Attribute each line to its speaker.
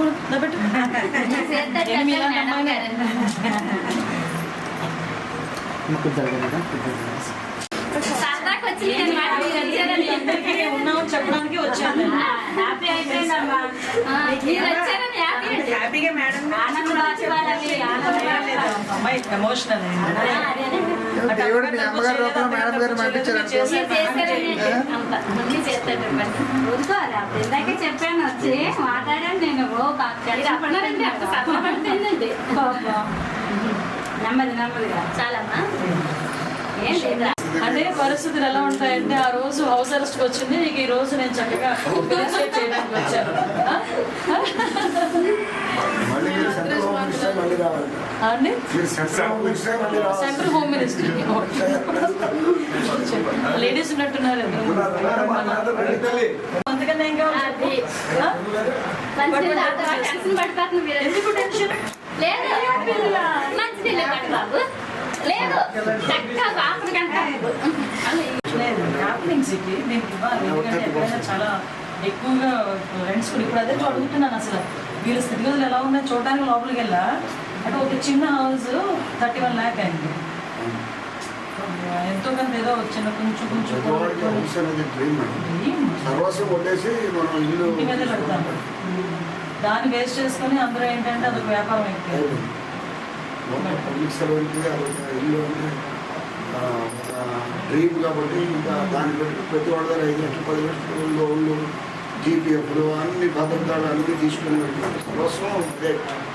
Speaker 1: పెట్టు ఉన్నామని చెప్పడానికి వచ్చాను. హ్యాపీగా మేడం అమ్మాయి ఎమోషనల్
Speaker 2: చెప్పాను వచ్చి మాట్లాడాను నేను నెమ్మది నెమ్మదిగా చాలమ్మా.
Speaker 1: అంటే పరిస్థితులు ఎలా ఉంటాయంటే ఆ రోజు హౌస్ అరెస్ట్ వచ్చింది, నీకు ఈ రోజు నేను చక్కగా చేయడానికి వచ్చాను. సెంట్రల్ హోమ్ మినిస్టర్ లేడీస్ ఉన్నట్టున్నారు. అందుకని ఏం కావాలి? ఎందుకు టెన్షన్
Speaker 2: లేదు బాబు లేదు
Speaker 1: హ్యాపీనింగ్స్కి నేను ఇవ్వాలి. ఎందుకంటే ఎప్పుడైనా చాలా ఎక్కువగా ఫ్రెండ్స్ కూడా ఇప్పుడు అదే అడుగుతున్నాను. అసలు వీళ్ళ స్థితిగతులు ఎలా ఉన్నాయో చూడడానికి లోపలికి వెళ్ళా. అంటే ఒక చిన్న హౌస్ 31 lakh అయింది. ఎంతో కొంత ఏదో చిన్న కొంచెం కొంచెం ఇంటి మీద పెడతాను. దాన్ని వేస్ట్ చేసుకొని అందరూ ఏంటంటే అదొక వ్యాపారం అయిపోయింది.
Speaker 3: డ్రీమ్ కాబట్టి ఇంకా దాన్ని బట్టి ప్రతి వాళ్ళ దగ్గర 5 లక్షలు 10 లక్షలు లోన్లు జీపీఎఫ్లు అన్ని భద్రతలు అన్నీ తీసుకుని సర్వస్వం అదే.